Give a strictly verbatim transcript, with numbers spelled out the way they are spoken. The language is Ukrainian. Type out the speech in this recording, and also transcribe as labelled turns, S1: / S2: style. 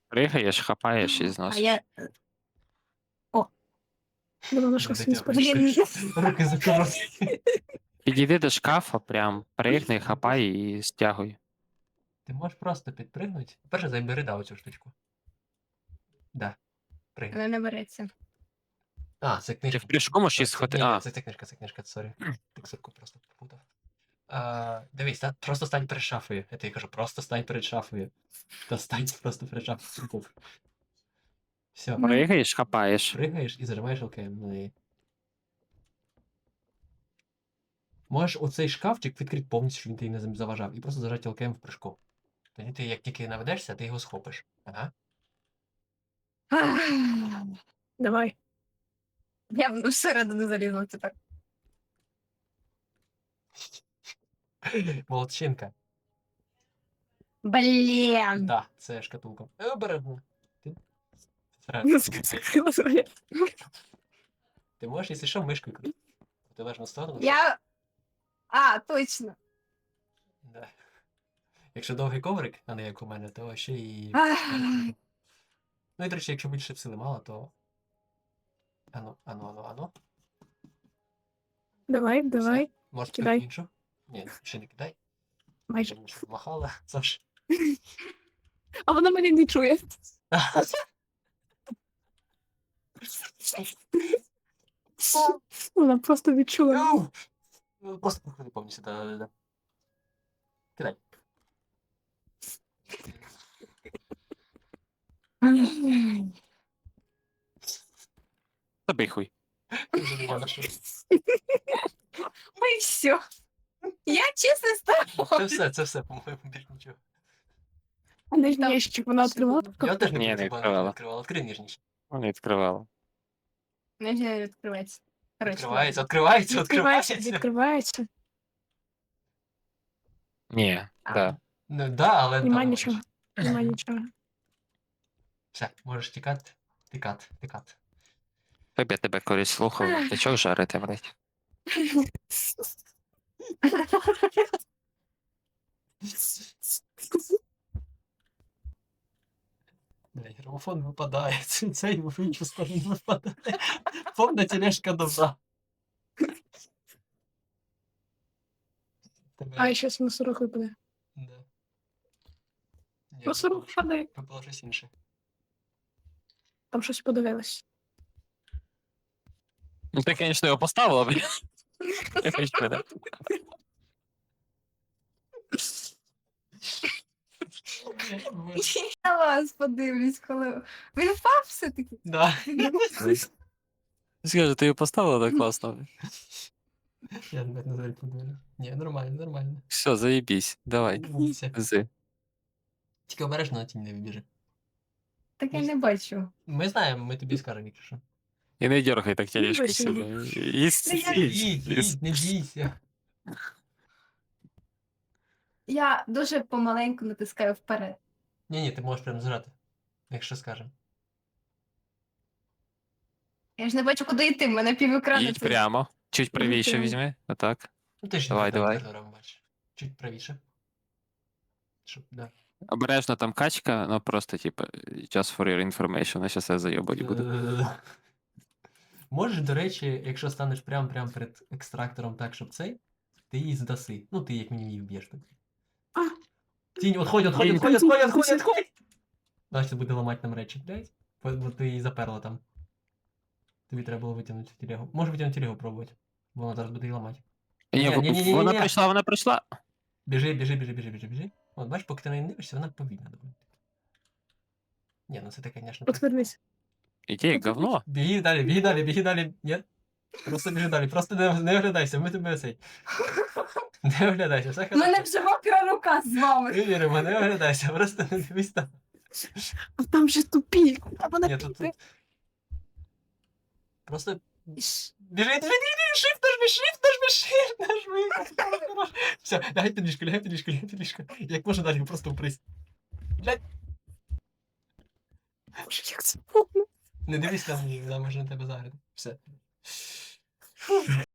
S1: Пригаєш, хапаєш і
S2: А
S1: зносиш.
S2: я... О! Думала, що
S3: Де
S2: свій
S3: дякую.
S2: сподобається.
S3: Руки закрили.
S1: Підійди до шкафа, прям пригни, хапай і стягуй.
S3: Ти можеш просто підпригнути. Перше забери да оцю штучку. Да. Пригни.
S2: Вона не береться.
S3: А, це
S1: Ти
S3: книжка.
S1: в прыжку можеш її
S3: Це-
S1: схвати.
S3: Ні, ні,
S1: А,
S3: це, це книжка, це книжка, сорі. Текстурку просто попутав. А, дивись, та, просто стань перед шафою. Я тобі кажу, просто стань перед шафою. Та стань просто перед шафою. Все,
S2: Ну.
S1: пригаєш, хапаєш.
S3: пригаєш і зажимаєш ЛКМ на неї. Можеш оцей шкафчик відкрити повністю, щоб він тобі не заважав, і просто зажати ЛКМ в прыжку. Тоді ти, як тільки наведешся, ти його схопиш. Ага.
S2: Давай. Я всередину залізла тепер.
S3: Молодчинка.
S2: Блін!
S3: Да, це шкатулка. Е, Обережно. Ти...
S2: Ну,
S3: Це-
S2: скрила своє.
S3: Ти можеш, якщо що, мишкою крутити. Протилежну сторону.
S2: Я... А, точно.
S3: Да. Якщо довгий коврик, а не як у мене, то ще і.
S2: Ах.
S3: Ну і, до речі, якщо більше сили мало, то. Ану, ану, ану, ану.
S2: Давай, давай.
S3: Може,
S2: Кидай.
S3: іншу? Ні, ще не кидай.
S2: Майже.
S3: Тому що махала. Саш.
S2: А вона мене не чує. Вона просто відчула.
S3: Ау! Ну, Просто проходи повністю, да, да, да. Кидай.
S1: Тобі хуй.
S3: Вже нема на що.
S2: Ой, все. Я чесно стала.
S3: Це все, це все, по-моєму, більш нічого.
S2: А нижній ящик вона відкривала?
S3: Я теж не
S1: Ні, не
S3: працював,
S1: відкривала.
S3: відкривала. Відкрий ніжніше.
S1: Вона відкривала.
S2: Нижній відкривається. Коротше,
S3: Відкривається, відкривається,
S2: відкривається,
S3: відкривається.
S2: відкривається.
S1: Ні,
S2: А.
S1: да.
S3: Ну, да, але
S2: Нема
S3: там
S2: нічого. Нема нічого.
S3: Все, можеш тікати, тікати, тікати.
S1: Щоб я тебе колись слухав, ти чого жарити, блядь?
S3: Бля, грамофон випадає, ц- цей в іншу сторону випадає. Повна тележка добра. Тебе...
S2: А, щас мусорок випаде.
S3: Да. Ні,
S2: Мусорок
S3: випало-
S2: випадає.
S3: Випало щось інше.
S2: Там щось подивилось.
S1: Ну ти, звісно, його поставила, блядь. Я хочу мене.
S2: Я вас подивлюсь, коли... Він впав все-таки?
S3: Да.
S1: Скажи, ти його поставила так класно.
S3: Я навіть на жаль подивлю. Ні, нормально, нормально.
S1: Все, заєбісь, давай.
S3: Умніця.
S1: Зи.
S3: Тільки обережно на тінь не вибіжи.
S2: Так я не бачу.
S3: Ми знаємо, ми тобі скажемо, якщо що.
S1: І не дергай так тележку
S2: Вибачте.
S1: себе. Їсть,
S2: Та я-
S1: їсть,
S3: Їдь,
S1: їсть.
S3: їдь, не бійся.
S2: Я дуже помаленьку натискаю вперед.
S3: Ні-ні, ти можеш прям зжати, якщо скажемо.
S2: Я ж не бачу, куди йти, в мене півекрана.
S1: Їдь прямо. Чуть правіше
S2: прямо.
S1: візьми. Отак.
S3: Ну ти ж
S1: Давай,
S3: не так
S1: давай.
S3: коридором бачиш. Чуть правіше. Щоб, да.
S1: Обережно там качка, ну просто, типа, just for your information, я щас я заєбать буду.
S3: Да-да-да. Можеш, до речі, якщо станеш прям прям перед екстрактором так, щоб цей, ти її здаси. Ну, ти як мінімум її вб'єш так.
S2: А.
S3: Тінь, отходь, отходь,
S1: Тінь.
S3: отходь, отходь, отходь, отходь! Значить, буде ламати нам речі, блядь. Бо, бо ти її заперла там. Тобі треба було витягнути телегу. Може витягнути телегу пробувати. Бо вона зараз буде її ламати.
S1: Ні,
S3: Ні, ні, ні, ні,
S1: вона
S3: ні.
S1: прийшла, вона прийшла.
S3: Біжи, біжи, біжи, біжи, біжи, біжи. От бачиш, поки ти на неї не дивишся, вона повільна доволі. Ні, ну це ти, звісно, так.
S2: Отвернись.
S1: Іди, як говно.
S3: Біги далі, біги далі, біги далі. Ні. Просто біжи далі, просто не, не оглядайся, ми тебе цей. Не оглядайся, все
S2: У мене
S3: хорошо.
S2: вже мокра рука з вами.
S3: Ми віримо, не оглядайся, просто не дивись там.
S2: А там же тупік. Там вона
S3: Ні, тут,
S2: піде.
S3: тут. Просто
S2: Іш.
S3: біжи, біжи, біжи, shift нажми, shift нажми, shift нажми. Все, лягай під ліжко, лягай під ліжко, лягай під ліжко. Як можна далі, просто впрись. Блядь,
S2: Боже, як це повно.
S3: не дивись там, вона може на тебе заграти. Все.